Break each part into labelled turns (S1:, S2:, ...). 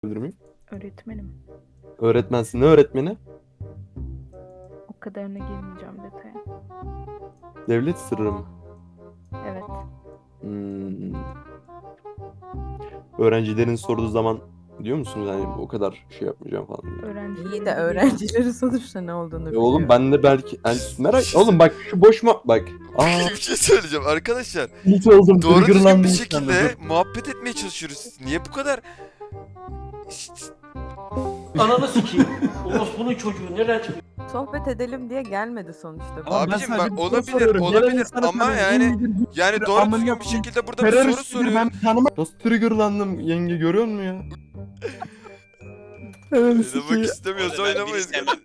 S1: Miyim?
S2: Öğretmenim.
S1: Öğretmensin. Ne öğretmeni?
S2: O kadarına girmeyeceğim detaya.
S1: Devlet sırrı mı?
S2: Evet.
S1: Hmm. Öğrencilerin sorduğu zaman diyor musunuz hani o kadar şey yapmayacağım falan diye.
S2: Öğrencilerin
S3: İyi de öğrencileri sonuçta ne olduğunu biliyor.
S1: Oğlum ben de belki yani merak oğlum bak şu boş mu bak.
S4: Bir şey söyleyeceğim arkadaşlar.
S1: Hiç oldum.
S4: Doğru düzgün
S1: triggerlandım
S4: bir
S1: şu
S4: şekilde
S1: anda, dur.
S4: muhabbet etmeye çalışıyoruz. Niye bu kadar...
S5: Ananı sikeyim. Orospu'nun çocuğu nereden çıkıyor?
S3: Sohbet edelim diye gelmedi sonuçta.
S1: Ama ben
S4: Abicim
S1: sadece
S4: bak
S1: bir soru
S4: olabilir
S1: soruyorum. Gelen
S4: olabilir
S1: insana
S4: ama
S1: tabii
S4: yani
S1: en iyidir,
S4: yani
S1: bir
S4: doğru
S1: amına
S4: düzgün bir
S1: koyayım.
S4: şekilde burada bir soru
S1: Terörist biri
S4: soruyor.
S1: ben tanımam. Nasıl triggerlandım yenge görüyor musun ya? Evet
S4: Oynamak
S1: sikeyim.
S4: istemiyorsa
S6: Orada ben
S4: oynamayız.
S6: biri sevmem.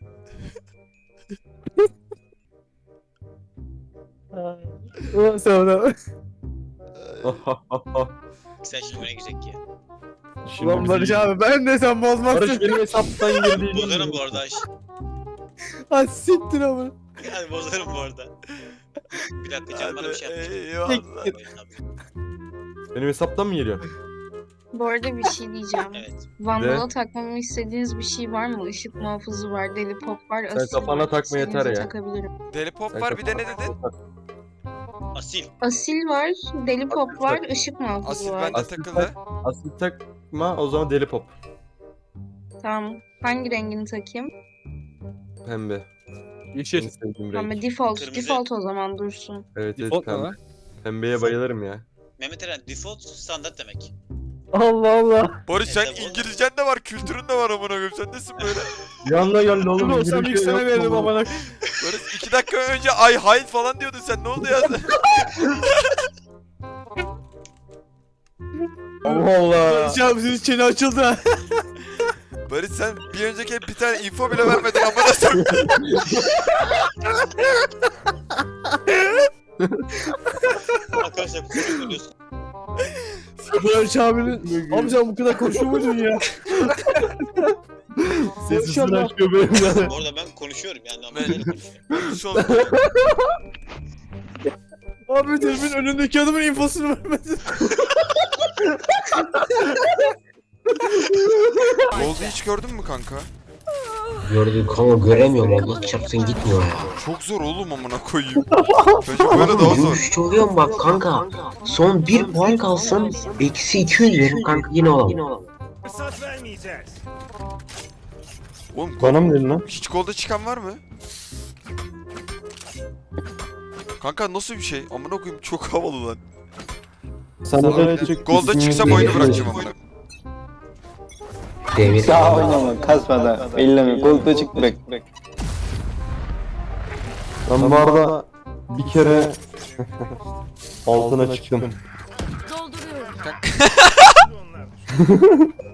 S6: Sen şimdi öne girecek ya.
S1: Şimdi
S7: Ulan Barış abi ben de sen
S1: Barış
S7: bozmazsın.
S1: benim hesaptan girdi.
S6: Bozarım bu arada.
S7: Ha siktir ama.
S6: Yani bozarım bu arada. Bir dakika canım bana bir şey yapmış.
S4: Eyvallah.
S1: Benim hesaptan mı geliyor?
S8: Bu arada bir şey diyeceğim.
S6: Evet.
S8: Vandal'a takmamı istediğiniz bir şey var mı? Işık muhafızı var, deli pop var,
S1: Sen
S8: asil
S1: kafana
S8: var.
S1: takma yeter
S8: İstediğinizi
S1: ya.
S8: Takabilirim.
S4: Deli pop
S1: Sen
S4: var bir de ne
S1: kafana
S4: dedin?
S1: tak.
S6: Asil.
S8: Asil var, deli pop
S1: Asil
S8: var,
S1: tak.
S8: ışık muhafızı
S4: Asil
S8: var.
S4: bende
S1: Asil
S4: takıldı.
S1: Asil takma o zaman deli pop.
S8: Tamam. Hangi rengini takayım?
S1: Pembe. En
S7: Yeşil.
S1: sevdiğim
S8: Tamam,
S1: renk.
S8: default.
S6: Kırmızı.
S8: Default o zaman dursun.
S1: Evet evet
S7: Default ne
S1: pembe.
S7: lan?
S1: Pembeye bayılırım ya.
S6: Mehmet Eren default standart demek.
S7: Allah Allah.
S4: Barış sen
S6: Evet,
S4: İngilizcen de var, kültürün de var amına koyayım. Sen nesin böyle?
S1: Yanına geldi oğlum.
S7: Dur olsam ilk sana veririm amına.
S4: Barış 2 dakika önce ay hayır falan diyordun sen. Ne oldu ya?
S1: Allah Allah.
S7: Barış abi senin çene açıldı ha.
S4: Barış sen bir önceki bir tane info bile vermedin amına sokayım.
S6: Arkadaşlar kusura bakıyorsun.
S7: Barış abinin. Abi sen bu kadar konuşuyor muydun ya?
S1: Sesini açıyor benim yani.
S6: Bu arada ben konuşuyorum yani ama
S4: Ben-
S6: neyle konuşuyorum.
S4: Barış oldu.
S7: Abi telefonun önündeki adamın infosunu vermedin.
S4: Oldu hiç gördün mü kanka?
S9: Gördüm kanka göremiyorum Allah çarpsın gitmiyor ya.
S4: Çok zor oğlum amına koyayım. Bence böyle daha zor.
S9: Yürüyüşçü oluyorum bak kanka. Son 1 puan kalsın eksi 200 verim kanka yine olamam.
S4: Oğlum
S1: Bana mı dedin lan?
S4: hiç golda çıkan var mı? Kanka nasıl bir şey? Amına koyayım çok havalı lan.
S1: Sana da çık.
S4: Golda çıksam oyunu bırakacağım amına.
S9: Devir.
S10: Daha oynama, kasma da, elleme, koltuğa çık bırak.
S1: Ben bu arada bir kere altına çıktım.
S2: Dolduruyorum.